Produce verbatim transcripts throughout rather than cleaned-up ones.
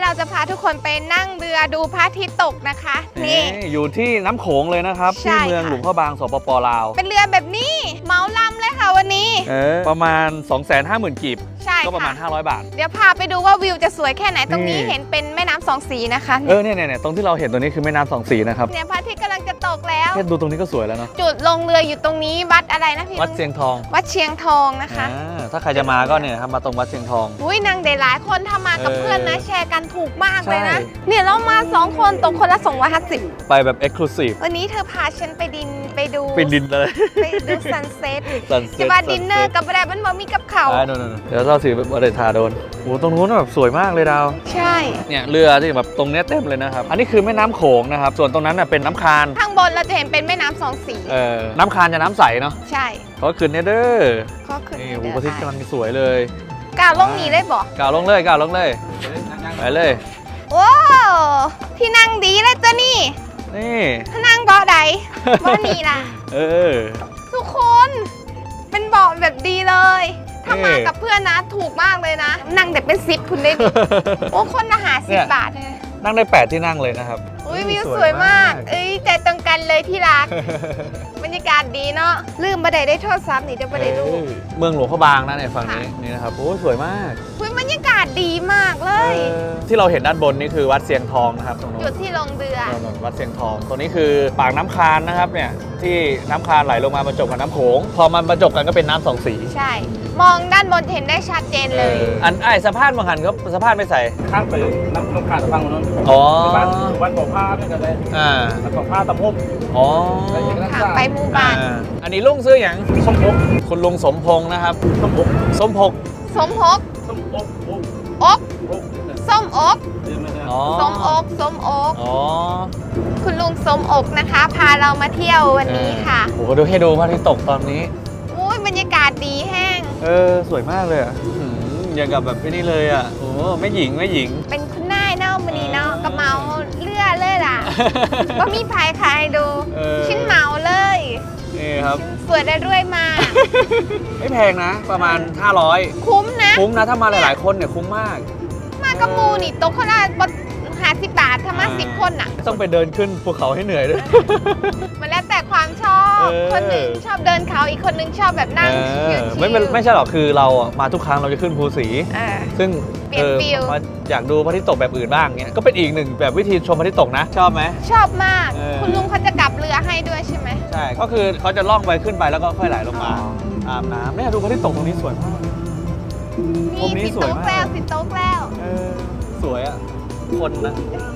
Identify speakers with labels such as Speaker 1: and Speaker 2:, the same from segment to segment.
Speaker 1: เราจะพาทุกคนไปนั่งเรือดูพระอาทิตย์ตกนะคะนี่
Speaker 2: อยู่ที่น้ำโขงเลยนะครับที่เมืองหลวงพระบางสปปลาว
Speaker 1: เป็นเรือแบบนี้เหมาลำเลยค่ะวันนี้
Speaker 2: ประมาณ สองแสนห้าหมื่น กีบ
Speaker 1: ใช่
Speaker 2: ก็ประมาณห้าร้อยบาท
Speaker 1: เดี๋ยวพาไปดูว่าวิวจะสวยแค่ไหนตรงนี้เห็นเป็นแม่น้ำสองสีนะคะ
Speaker 2: เออเนี่ยเนี่ยตรงที่เราเห็นตรงนี้คือแม่น้ำสองสีนะครับ
Speaker 1: เนี่ยพระอาทิตย์กำลังจะตกแล้ว
Speaker 2: แค่ดูตรงนี้ก็สวยแล้วเนาะ
Speaker 1: จุดลงเรืออยู่ตรงนี้วัดอะไรนะพี่
Speaker 2: วัดเชียงทอง
Speaker 1: วัดเชียงทองนะคะ
Speaker 2: ถ้าใครจะมาก็เนี่ยครับมาตรงวัดเชียงทอง
Speaker 1: อุ้ยนางเดหลายคนถ้ามากับเพื่อนนะแชร์กันถูกมากเลยนะเนี่ยเรามาสองคนตกคนละสองร้อยห้าสิบ
Speaker 2: ไปแบบเอ็กซ์คลูซีฟ
Speaker 1: วันนี้เธอพาฉันไปดินไปดู
Speaker 2: ไปดินเลย
Speaker 1: ไปดูซันเซ็ตจะมาดินเนอร์กับอะไรมันบ่มีกับเขา
Speaker 2: เดี๋ยวเราถือแบบบริธาโดนโอ้ตรงนู้นแบบสวยมากเลยดาว
Speaker 1: ใช่
Speaker 2: เนี่ยเรือที่แบบตรงเนี้ยเต็มเลยนะครับอันนี้คือแม่น้ำโขงนะครับส่วนตรงนั้นน่ะเป็นน้ำคาน
Speaker 1: ข้างบนเราจะเห็นเป็นแม่น้ำสองสี
Speaker 2: เออน้ำคานจะน้ำใสเนาะ
Speaker 1: ใช่
Speaker 2: เขาขึ้นเนี่ยเด้อ
Speaker 1: ก็ขึ้น
Speaker 2: นี่หูพระอาทิตย์กำลังสวยเลย
Speaker 1: กาวลงนี้ได้บ่
Speaker 2: กาวลงเลยกาวลงเลยไปเลย
Speaker 1: โอ้ที่นั่งดีเลยตัวนี่
Speaker 2: นี่
Speaker 1: นั่งเบาะใดเบาะนี้ล่ะ
Speaker 2: เออ
Speaker 1: ทุกคนเป็นเบาะแบบดีเลยถ้ามากับเพื่อนนะถูกมากเลยนะนั่งแต่เป็นซิปคุณได้ดิโอ้คนอาหารสิบบาทเลย
Speaker 2: นั่งได้แปดที่นั่งเลยนะครับ
Speaker 1: อุ้ยวิวสวยมากเอ้ยใจตรงกันเลยที่รักบรรยากาศดีเนาะลืมบันไดได้โทษซ้ำนี่เดี๋ยวบันไดรูป
Speaker 2: เมืองหลวงพระบางนะเนี่ยฝั่งนี้นี่นะครับโอ้สวยมาก
Speaker 1: อุ้ยบรรยากาศดีมากเลย
Speaker 2: ที่เราเห็นด้านบนนี่คือวัดเชียงทองนะครับตรงนู้น
Speaker 1: จุดที่ลงเรือ
Speaker 2: วัดเชียงทองตัวนี้คือปากน้ำคานนะครับเนี่ยที่น้ำคานไหลลงมาบรรจบกับน้ำโขงพอมันบรรจบกันก็เป็นน้ำสองสี
Speaker 1: ใช่มองด้านบนเห็นได้ชัดเจนเลย
Speaker 2: อันไอ้สะพานบางหันเขาสะพานไม่ใส่
Speaker 3: ข้างไปน้ำน้ำขาดฟังนู้น
Speaker 2: อ๋อ
Speaker 3: วันบอกผ้าด้วยกันเลย
Speaker 2: อ่า
Speaker 3: วันบอกผ้าตะพบ
Speaker 2: อ๋อ
Speaker 1: ไปหมู่บ้าน
Speaker 2: อันนี้ลุงซื้ออย่าง
Speaker 3: สมพง
Speaker 2: คุณลุงสมพงษ์นะครับ
Speaker 3: สมพง
Speaker 2: สมพงษ์
Speaker 1: สมพงษ์
Speaker 3: สมอก
Speaker 1: อกส้มอกส้มอกส้มอก
Speaker 2: อ๋อ
Speaker 1: คุณลุงส้มอกนะคะพาเรามาเที่ยววันนี้ค่ะ
Speaker 2: โอ้โหดูให้ดูพระอาทิตย์ตกตอนนี้
Speaker 1: อุ้ยบรรยากาศดีแห้ง
Speaker 2: เออสวยมากเลยอ่ะอย่างกับแบบนี่เลยอ่ะโอ้ไม่หญิงไม่หญิง
Speaker 1: เป็นคุณนายเนาะมันนี้เนาะกระเมาเลือดเลยล่ะว่ามีภายใครดูชิ้นเมาเลย
Speaker 2: นี่ครับ
Speaker 1: สวยได้ด้วยมา
Speaker 2: ไม่แพงนะประมาณห้าร้อย
Speaker 1: คุ้มนะ
Speaker 2: คุ้มนะถ้ามาหลายๆคนเนี่ยคุ้มมาก
Speaker 1: มากระมูนี่ตกคนละห้าสิบบาทถ้ามาสิบคนน่ะ
Speaker 2: ต้องไปเดินขึ้นภูเขาให้เหนื่อยด้วย
Speaker 1: มันแล้วแต่ความชอบคนหนึ่งชอบเดินเขาอีกคนนึงชอบแบบนั่ง
Speaker 2: ไม่ไม่ใช่หรอกคือเรามาทุกครั้งเราจะขึ้นภูสีซึ่ง
Speaker 1: เปลี่ยนฟิล
Speaker 2: อยากดูพระอาทิตย์ตกแบบอื่นบ้างเงี้ยก็เป็นอีกหนึ่งแบบวิธีชมพระอาทิตย์ตกนะชอบไหม
Speaker 1: ชอบมากคุณลุงเขาจะกลับเรือให้ด้วยใช่ไหม
Speaker 2: ใช่ก็คือเขาจะล่องไปขึ้นไปแล้วก็ค่อยไหลลงมาอาบน้ำเนี่ยดูพระอาทิตย์ตกตรงนี้สวยมาก
Speaker 1: นี่สิโต๊ะแล้วสิโต๊ะแล้ว
Speaker 2: สวยอ่ะคนนะ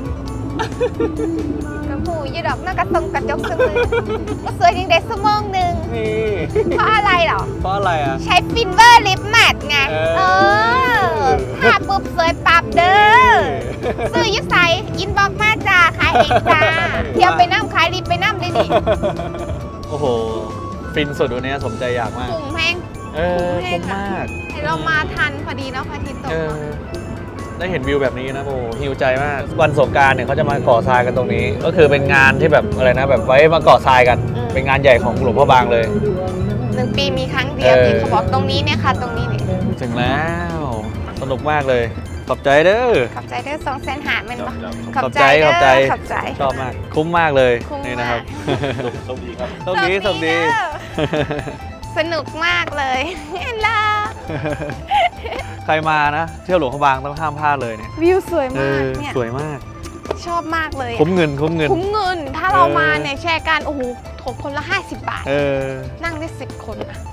Speaker 1: กระหูยดอกหน้ากระตรงกระจกสมือก็สวยจริงเด็ดสมองหนึ่งเพราะอะไรหรอ
Speaker 2: เพราะอะไรอ่ะ
Speaker 1: ใช้ฟินเวอร์ลิปแมทไงเออทาปุ๊บสวยปับเด้อซื้อยุใสอินบ็อกมาจ้าขายเองจ้าเที่ยวไปน้ำขายรีบไปน้ำเลยดิ
Speaker 2: โอ้โหฟินสุดวันนี้สมใจอยากมาก
Speaker 1: คุ้มแพง
Speaker 2: เออคุ้มมาก
Speaker 1: เรามาทันพอดีเนาะพระอาทิตย์ตก
Speaker 2: ได้เห็นวิวแบบนี้นะโอ้หิวใจมากวันสงกรานต์เนี่ยเขาจะมาก่อทรายกันตรงนี้ก็คือเป็นงานที่แบบอะไรนะแบบไว้มาก่อทรายกันเป็นงานใหญ่ของหลวงพ่อบางเลย
Speaker 1: หนึ่งปีมีครั้งเดียวที่เขาบอกตรงนี้เนี่ยค่ะตรงนี้นี่
Speaker 2: ถึงแล้วสนุกมากเลยขอบใจเด้อ
Speaker 1: ขอบใจเด้อสองแสนหาเป็นปะ
Speaker 2: ขอบใจขอบใจ
Speaker 1: ขอบใจ
Speaker 2: ชอบมากคุ้มมากเลยนี่นะครับ
Speaker 3: โชคดีครับ
Speaker 2: โชคดีโชคดี
Speaker 1: สนุกมากเลยเห็นล่ะ
Speaker 2: ใครมานะเที่ยวหลวงพระบางต้องห้ามพลาดเลยเนี่ย
Speaker 1: วิวสวยมากเนี่ย
Speaker 2: สวยมาก
Speaker 1: ชอบมากเลย
Speaker 2: คุ้มเงินคุ้มเงิน
Speaker 1: คุ้มเงินถ้าเรามาเนี่ยแชร์กันโอ้โหถกคนละห้าสิบบาทนั่งได้สิบคน